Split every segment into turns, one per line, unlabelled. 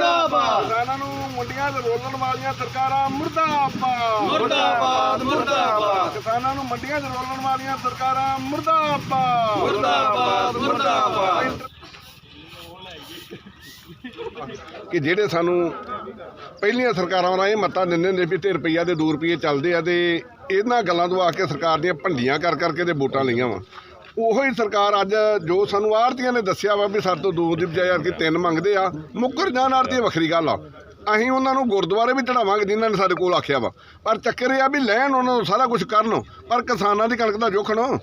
ਮੁਰਦਾਬਾਦ।
ਕਿਸਾਨਾਂ ਨੂੰ ਮੰਡੀਆਂ 'ਚ ਰੋਲਣ ਵਾਲੀਆਂ ਸਰਕਾਰਾਂ ਮੁਰਦਾਬਾਦ।
ਮੁਰਦਾਬਾਦ ਮੁਰਦਾਬਾਦ
ਕਿਸਾਨਾਂ ਨੂੰ ਮੰਡੀਆਂ 'ਚ ਰੋਲਣ ਵਾਲੀਆਂ ਸਰਕਾਰਾਂ ਮੁਰਦਾਬਾਦ।
ਮੁਰਦਾਬਾਦ ਮੁਰਦਾਬਾਦ।
ਕਿ ਜਿਹੜੇ ਸਾਨੂੰ ਪਹਿਲੀਆਂ ਸਰਕਾਰਾਂ ਨਾਲ ਇਹ ਮੱਤਾਂ ਦਿੰਦੇ ਹੁੰਦੇ ਵੀ 3 ਰੁਪਈਆ ਦੇ 2 ਰੁਪਈਏ ਚੱਲਦੇ ਆ, ਤੇ ਇਹਨਾਂ ਗੱਲਾਂ ਤੋਂ ਆ ਕੇ ਸਰਕਾਰ ਦੀਆਂ ਭੰਡੀਆਂ ਕਰ ਕਰਕੇ ਤੇ ਵੋਟਾਂ ਲਈਆਂ ਵਾ। ਉਹੀ ਸਰਕਾਰ ਅੱਜ ਜੋ ਸਾਨੂੰ ਆੜ੍ਹਤੀਆਂ ਨੇ ਦੱਸਿਆ ਵਾ ਵੀ ਸਾਡੇ ਤੋਂ 2 ਦੀ ਬਜਾਏ ਕਿ 3 ਮੰਗਦੇ ਆ, ਮੁੱਕਰ ਜਾਣ ਆੜ੍ਹਤੀ ਵੱਖਰੀ ਗੱਲ ਆ। ਅਸੀਂ ਉਹਨਾਂ ਨੂੰ ਗੁਰਦੁਆਰੇ ਵੀ ਚੜਾਵਾਂਗੇ ਜਿਨ੍ਹਾਂ ਨੇ ਸਾਡੇ ਕੋਲ ਆਖਿਆ ਵਾ, ਪਰ ਚੱਕਰ ਇਹ ਆ ਵੀ ਲੈਣ ਉਹਨਾਂ ਨੂੰ ਸਾਰਾ ਕੁਝ ਕਰਨ, ਪਰ ਕਿਸਾਨਾਂ ਦੀ ਕਣਕ ਦਾ ਜੋਖਣ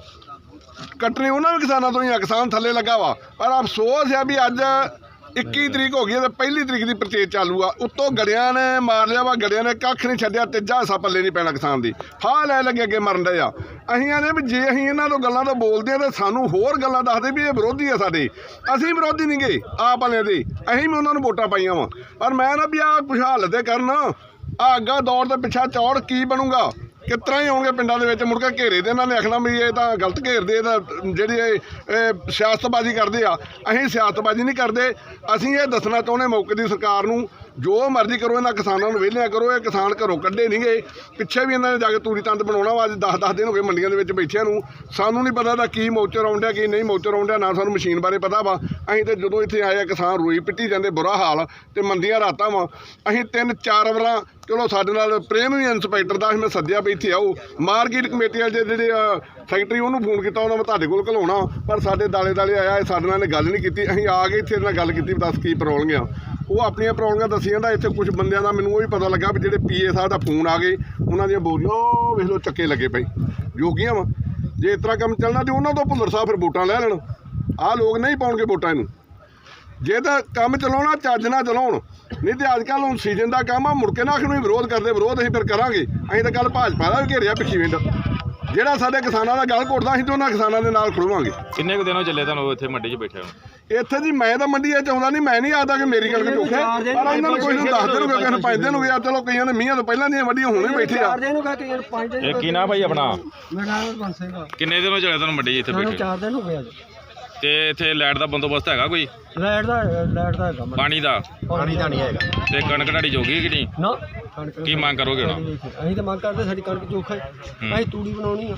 ਕੱਟਣੀ ਉਹਨਾਂ ਵੀ ਕਿਸਾਨਾਂ ਤੋਂ ਹੀ ਆ। ਕਿਸਾਨ ਥੱਲੇ ਲੱਗਾ ਵਾ, ਪਰ ਅਫਸੋਸ ਆ ਵੀ ਅੱਜ 21 ਤਰੀਕ ਹੋ ਗਈ ਹੈ ਤੇ 1 ਤਰੀਕ ਦੀ ਪਰਚੇਜ ਚਾਲੂ ਆ। ਉੱਤੋਂ ਗੜਿਆਂ ਨੇ ਮਾਰ ਲਿਆ ਵਾ, ਗੜਿਆਂ ਨੇ ਕੱਖ ਨਹੀਂ ਛੱਡਿਆ, ਤੀਜਾ ਹਿੱਸਾ ਪੱਲੇ ਨਹੀਂ ਪੈਣਾ ਕਿਸਾਨ ਦੀ। ਫਾਹ ਲੈ ਲੱਗੇ ਅੱਗੇ ਮਰਨ ਦੇ ਆ। ਅਸੀਂ ਆਨੇ ਵੀ ਜੇ ਅਸੀਂ ਇਹਨਾਂ ਤੋਂ ਗੱਲਾਂ ਤੋਂ ਬੋਲਦੇ ਆ ਤਾਂ ਸਾਨੂੰ ਹੋਰ ਗੱਲਾਂ ਦੱਸਦੇ ਵੀ ਇਹ ਵਿਰੋਧੀ ਆ ਸਾਡੇ। ਅਸੀਂ ਵਿਰੋਧੀ ਨਹੀਂ ਗਏ ਆਪ ਵਾਲਿਆਂ ਦੇ, ਅਸੀਂ ਵੀ ਉਹਨਾਂ ਨੂੰ ਵੋਟਾਂ ਪਾਈਆਂ ਵਾ। ਪਰ ਮੈਂ ਨਾ ਵੀ ਆਹ ਕੁਛ ਹੱਲ ਤੇ ਕਰਨ, ਆ ਅੱਗਾ ਦੌੜ ਤੇ ਪਿੱਛਾ ਚੌੜ ਕੀ ਬਣੂਗਾ, ਕਿਸ ਤਰ੍ਹਾਂ ਹੀ ਆਉਣਗੇ ਪਿੰਡਾਂ ਦੇ ਵਿੱਚ ਮੁੜ ਕੇ ਘੇਰੇ ਦੇ ਇਹਨਾਂ ਨੇ ਆਖਣਾ ਵੀ ਇਹ ਤਾਂ ਗਲਤ ਘੇਰਦੇ, ਇਹ ਤਾਂ ਜਿਹੜੀ ਇਹ ਸਿਆਸਤਬਾਜ਼ੀ ਕਰਦੇ ਆ। ਅਸੀਂ ਸਿਆਸਤਬਾਜ਼ੀ ਨਹੀਂ ਕਰਦੇ, ਅਸੀਂ ਇਹ ਦੱਸਣਾ ਚਾਹੁੰਦੇ ਮੌਕੇ ਦੀ ਸਰਕਾਰ ਨੂੰ, ਜੋ ਮਰਜ਼ੀ ਕਰੋ ਇਹਨਾਂ ਕਿਸਾਨਾਂ ਨੂੰ ਵਿਹਲਿਆਂ ਕਰੋ। ਇਹ ਕਿਸਾਨ ਘਰੋਂ ਕੱਢੇ ਨਹੀਂ ਗਏ, ਪਿੱਛੇ ਵੀ ਇਹਨਾਂ ਨੇ ਜਾ ਕੇ ਤੂੜੀ ਤੰਦ ਬਣਾਉਣਾ ਵਾ। ਅੱਜ 10-10 ਦਿਨ ਹੋ ਗਏ ਮੰਡੀਆਂ ਦੇ ਵਿੱਚ ਬੈਠਿਆਂ ਨੂੰ, ਸਾਨੂੰ ਨਹੀਂ ਪਤਾ ਦਾ ਕੀ ਮੌਚਰ ਆਉਂਦਿਆ ਕੀ ਨਹੀਂ ਮੌਚਰ ਆਉਂਦਿਆ, ਨਾ ਸਾਨੂੰ ਮਸ਼ੀਨ ਬਾਰੇ ਪਤਾ ਵਾ। ਅਸੀਂ ਤਾਂ ਜਦੋਂ ਇੱਥੇ ਆਏ ਆ ਕਿਸਾਨ ਰੋਈ ਪਿੱਟੀ ਜਾਂਦੇ, ਬੁਰਾ ਹਾਲ, ਤੇ ਮੰਦੀਆਂ ਰਾਤਾਂ ਵਾ। ਅਸੀਂ 3-4 ਵਾਰਾਂ ਚਲੋ ਸਾਡੇ ਨਾਲ ਪ੍ਰੇਮ ਵੀ ਇੰਸਪੈਕਟਰ ਦਾ ਮੈਂ ਸੱਦਿਆ ਵੀ ਇੱਥੇ ਆਓ, ਮਾਰਕੀਟ ਕਮੇਟੀ ਵਾਲੇ ਜਿਹੜੇ ਸੈਕਟਰੀ ਉਹਨੂੰ ਫੋਨ ਕੀਤਾ, ਉਹਨਾਂ ਮੈਂ ਤੁਹਾਡੇ ਕੋਲ ਘਲਾਉਣਾ, ਪਰ ਸਾਡੇ ਦਾਲੇ ਆਇਆ, ਸਾਡੇ ਨਾਲ ਗੱਲ ਨਹੀਂ ਕੀਤੀ। ਅਸੀਂ ਆ ਕੇ ਇੱਥੇ ਨਾਲ ਗੱਲ ਕੀਤੀ, ਦੱਸ ਕੀ ਪ੍ਰੋਬਲਮ ਆ। ਉਹ ਆਪਣੀਆਂ ਪ੍ਰੋਬਲਮਾਂ ਦੱਸੀ ਜਾਂਦਾ। ਇੱਥੇ ਕੁਝ ਬੰਦਿਆਂ ਦਾ ਮੈਨੂੰ ਉਹ ਵੀ ਪਤਾ ਲੱਗਾ ਵੀ ਜਿਹੜੇ PA ਸਾਹਿਬ ਦਾ ਫੋਨ ਆ ਗਏ, ਉਹਨਾਂ ਦੀਆਂ ਬੋਰੀਆਂ ਵੇਖ ਲਓ ਚੱਕੇ ਲੱਗੇ ਪਏ ਜੋਗੀਆਂ ਵਾ। ਜੇ ਇਸ ਤਰ੍ਹਾਂ ਕੰਮ ਚੱਲਣਾ ਤੇ ਉਹਨਾਂ ਤੋਂ ਭੁੱਲਰ ਸਾਹਿਬ ਫਿਰ ਵੋਟਾਂ ਲੈ ਲੈਣ। ਆਹ ਲੋਕ ਨਹੀਂ ਪਾਉਣਗੇ ਵੋਟਾਂ ਇਹਨੂੰ। ਜੇ ਤਾਂ ਕੰਮ ਚਲਾਉਣਾ ਚੱਜ ਨਾਲ ਚਲਾਉਣ, ਨਹੀਂ ਤੇ ਅੱਜ ਕੱਲ੍ਹ ਹੁਣ ਸੀਜ਼ਨ ਦਾ ਕੰਮ ਆ, ਮੁੜ ਕੇ ਨਾ ਆਖਣ ਨੂੰ ਵਿਰੋਧ ਕਰਦੇ। ਵਿਰੋਧ ਅਸੀਂ ਫਿਰ ਕਰਾਂਗੇ। ਅਸੀਂ ਤਾਂ ਕੱਲ੍ਹ ਭਾਜਪਾ ਦਾ ਵੀ ਘੇਰਿਆ ਭਿੱਖੀਵਿੰਡ, ਜਿਹੜਾ ਸਾਡੇ ਕਿਸਾਨਾਂ ਦਾ ਗੱਲ ਘੋਟਦਾ, ਅਸੀਂ ਤਾਂ ਉਹਨਾਂ ਕਿਸਾਨਾਂ ਦੇ ਨਾਲ ਖੜੋਵਾਂਗੇ।
ਕਿੰਨੇ ਕੁ ਦਿਨੋਂ ਚੱਲੇ ਤੁਹਾਨੂੰ ਇੱਥੇ ਮੰਡੀ 'ਚ ਬੈਠੇ ਹੋ?
ਇੱਥੇ ਜੀ ਮੈਂ ਤਾਂ ਮੰਡੀ ਇਹ ਚਾਹੁੰਦਾ ਨਹੀਂ, ਮੈਂ ਨਹੀਂ ਆਦਾ ਕਿ ਮੇਰੀ ਕਣਕ ਚੋਖੇ, ਪਰ ਇਹਨਾਂ ਨੂੰ ਕੋਈ ਨੂੰ 10 ਦਿਨ ਹੋ ਗਏ, ਕਿਸੇ ਨੂੰ 5 ਦਿਨ ਹੋ ਗਏ। ਚਲੋ ਕਈਆਂ ਨੇ ਮੀਂਹਾਂ ਤੋਂ ਪਹਿਲਾਂ ਦੀਆਂ ਵੱਡੀਆਂ ਹੁਣੇ ਬੈਠੇ ਆ।
ਇਹ ਕੀ ਨਾ ਭਾਈ ਆਪਣਾ?
ਮੇਰਾ ਸਿੰਘ
ਕਿੰਨੇ ਦਿਨੋਂ ਚੱਲੇ ਤੁਹਾਨੂੰ ਮੰਡੀ 'ਚ ਇੱਥੇ ਬੈਠੇ?
4 ਦਿਨ ਹੋ ਗਏ ਅੱਜ।
ਤੇ ਇੱਥੇ ਲਾਈਟ ਦਾ ਬੰਦੋਬਸਤ ਹੈਗਾ ਕੋਈ?
ਲਾਈਟ ਦਾ ਹੈਗਾ,
ਪਾਣੀ ਦਾ
ਨਹੀਂ ਹੈਗਾ।
ਤੇ ਕਣਕ ਢਾੜੀ ਜੋਗੀ ਕਿ ਨਹੀਂ?
ਨਾ
ਕੀ ਮੰਗ ਕਰੋਗੇ ਹੁਣ?
ਅਸੀਂ ਤਾਂ ਮੰਗ ਕਰਦੇ ਸਾਡੀ ਕਣਕ ਚੋਖਾ ਹੈ, ਅਸੀਂ ਤੂੜੀ ਬਣਾਉਣੀ ਆ।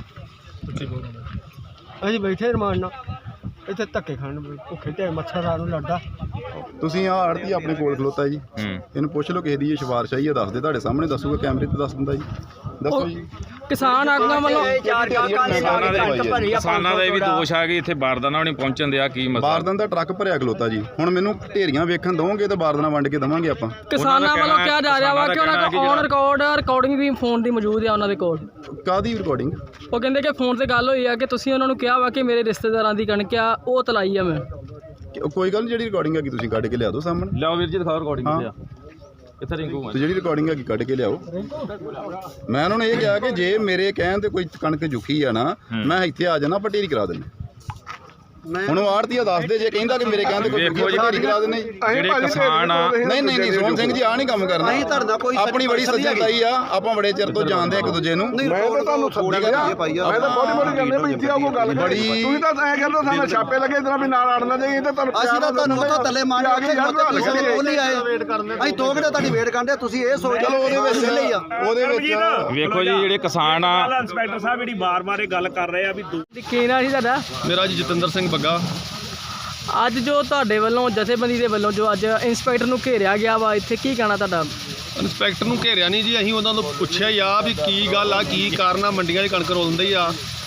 ਅਸੀਂ ਬੈਠੇ ਰਮਾਨ ਨਾਲ ਇੱਥੇ ਧੱਕੇ ਖਾਣ, ਭੁੱਖੇ ਢੇ ਮੱਛਰ ਨੂੰ ਲੜਦਾ।
ਤੁਸੀਂ ਆ ਆੜਤੀ ਆਪਣੇ ਕੋਲ ਖਲੋਤਾ ਜੀ, ਇਹਨੂੰ ਪੁੱਛ ਲਓ ਕਿਸੇ ਦੀ ਇਹ ਸਿਫਾਰਿਸ਼ ਆਈ ਹੈ, ਦੱਸ ਦੇ, ਤੁਹਾਡੇ ਸਾਹਮਣੇ ਦੱਸੂਗਾ, ਕੈਮਰੇ ਤੇ ਦੱਸ ਦਿੰਦਾ ਜੀ। ਦੱਸੋ ਜੀ।
ਕਿਸਾਨ ਆਗੂਆਂ ਵੱਲੋਂ
ਕਿਸਾਨਾਂ ਦਾ ਇਹ ਵੀ ਦੋਸ਼ ਆ ਕਿ ਇੱਥੇ ਬਾਰਦਾਨਾ ਵੀ ਨਹੀਂ ਪਹੁੰਚਣ ਦਿਆ, ਕੀ ਮਸਲਾ?
ਬਾਰਦਾਨ ਦਾ ਟਰੱਕ ਭਰਿਆ ਖਲੋਤਾ ਜੀ। ਹੁਣ ਮੈਨੂੰ ਢੇਰੀਆਂ ਵੇਖਣ ਦਵੋਗੇ ਤਾਂ ਬਾਰਦਾਨਾ ਵੰਡ ਕੇ ਦਵਾਂਗੇ ਆਪਾਂ।
ਕਿਸਾਨਾਂ ਵੱਲੋਂ ਕਿਹਾ ਜਾ ਰਿਹਾ ਵਾ ਕਿ ਉਹਨਾਂ ਕੋਲ ਔਨ ਰਿਕਾਰਡਿੰਗ ਵੀ ਫੋਨ ਦੀ ਮੌਜੂਦ ਆ ਉਹਨਾਂ ਦੇ ਕੋਲ।
ਕਾਹਦੀ ਰਿਕਾਰਡਿੰਗ?
ਉਹ ਕਹਿੰਦੇ ਕਿ ਫੋਨ ਤੇ ਗੱਲ ਹੋਈ ਆ ਕਿ ਤੁਸੀਂ ਉਹਨਾਂ ਨੂੰ ਕਿਹਾ ਵਾ ਕਿ ਮੇਰੇ ਰਿਸ਼ਤੇਦਾਰਾਂ ਦੀ ਕਣਕ ਆ, ਉਹ ਤਲਾਈ ਆ ਮੈਂ।
ਕੋਈ ਗੱਲ ਨਹੀਂ, ਜਿਹੜੀ ਰਿਕਾਰਡਿੰਗ ਹੈਗੀ ਤੁਸੀਂ ਕੱਢ ਕੇ ਲਿਆ ਦਿਓ ਸਾਹਮਣੇ।
ਲਿਆਓ ਵੀਰ ਜੀ, ਦਿਖਾਓ ਰਿਕਾਰਡਿੰਗ ਲਿਆ ਇੱਥੇ ਰਿੰਕੂ
ਤੇ ਜਿਹੜੀ ਰਿਕਾਰਡਿੰਗ ਹੈਗੀ ਕੱਢ ਕੇ ਲਿਆਓ। ਮੈਂ ਉਹਨਾਂ ਨੂੰ ਇਹ ਕਿਹਾ ਕਿ ਜੇ ਮੇਰੇ ਕਹਿਣ ਤੇ ਕੋਈ ਕਣਕ ਜੁਖੀ ਆ ਨਾ, ਮੈਂ ਇੱਥੇ ਆ ਜਾਣਾ, ਆਪਾਂ ਢੇਰੀ ਕਰਾ ਦਿੰਦੇ। ਹੁਣ ਉਹ ਆੜਤੀਆ ਦੱਸ ਦੇ, ਜੇ ਕਹਿੰਦਾ ਕਿ ਮੇਰੇ ਕਹਿੰਦੇ ਕੋਈ ਢੇਰੀ ਕਰਾ ਦਿੰਦੇ।
ਜਿਹੜੇ ਕਿਸਾਨ ਆ,
ਨਹੀਂ ਸੋਹਣ ਸਿੰਘ ਜੀ, ਆ ਨਹੀਂ ਕੰਮ ਕਰਨਾ। ਆਪਣੀ ਬੜੀ ਸੱਜਣਤਾਈ ਆ, ਆਪਾਂ ਬੜੇ ਚਿਰ ਤੋਂ ਜਾਣਦੇ ਇੱਕ ਦੂਜੇ ਨੂੰ।
ਮੈਂ ਤਾਂ ਤੁਹਾਨੂੰ ਸੋਚਿਆ, ਮੈਂ ਤਾਂ ਬੜੀ ਜਾਂਦੇ ਵੀ ਇੱਥੇ ਆਉ ਗੱਲ
ਬੜੀ।
ਤੁਸੀਂ ਤਾਂ ਐਂ ਕਹਿੰਦੇ ਸਾਨੂੰ ਛਾਪੇ ਲੱਗੇ ਇਦਾਂ ਵੀ ਨਾਲ ਆੜਨਾ ਜਾਈਏ, ਤਾਂ ਤੁਹਾਨੂੰ
ਅਸੀਂ ਤਾਂ ਤੁਹਾਨੂੰ ਉਹ ਥੱਲੇ ਮਾਰ ਕੇ ਉਹ ਨਹੀਂ ਆਏ, ਅਸੀਂ 2 ਘੰਟੇ ਤੁਹਾਡੀ ਵੇਟ ਕਰਦੇ। ਤੁਸੀਂ ਇਹ ਸੋਚ ਲਓ
ਉਹਦੇ ਵਿੱਚ
ਵੇਖੋ ਜੀ ਜਿਹੜੇ ਕਿਸਾਨ ਆ,
ਇੰਸਪੈਕਟਰ ਸਾਹਿਬ ਜਿਹੜੀ ਬਾਰ-ਬਾਰ ਇਹ ਗੱਲ ਕਰ ਰਹੇ ਆ ਵੀ
ਕੀ ਨਾਂ ਸੀ ਤੁਹਾਡਾ?
ਮੇਰਾ ਜੀ ਜਤਿੰਦਰ ਸਿੰਘ ਬੱਗਾ।
ਅੱਜ ਜੋ ਤੁਹਾਡੇ ਵੱਲੋਂ ਜਥੇਬੰਦੀ ਦੇ ਵੱਲੋਂ ਜੋ ਅੱਜ ਇੰਸਪੈਕਟਰ ਨੂੰ ਘੇਰਿਆ ਗਿਆ ਵਾ, ਇੱਥੇ ਕੀ ਕਹਿਣਾ ਤੁਹਾਡਾ?
ਇੰਸਪੈਕਟਰ ਨੂੰ ਘੇਰਿਆ ਨਹੀਂ ਜੀ, ਅਸੀਂ ਉਹਨਾਂ ਨੂੰ ਪੁੱਛਿਆ ਹੀ ਆ ਵੀ ਕੀ ਗੱਲ ਆ, ਕੀ ਕਾਰਨ ਆ, ਮੰਡੀਆਂ 'ਚ ਕਣਕ ਰੋਲਦੀ ਆ।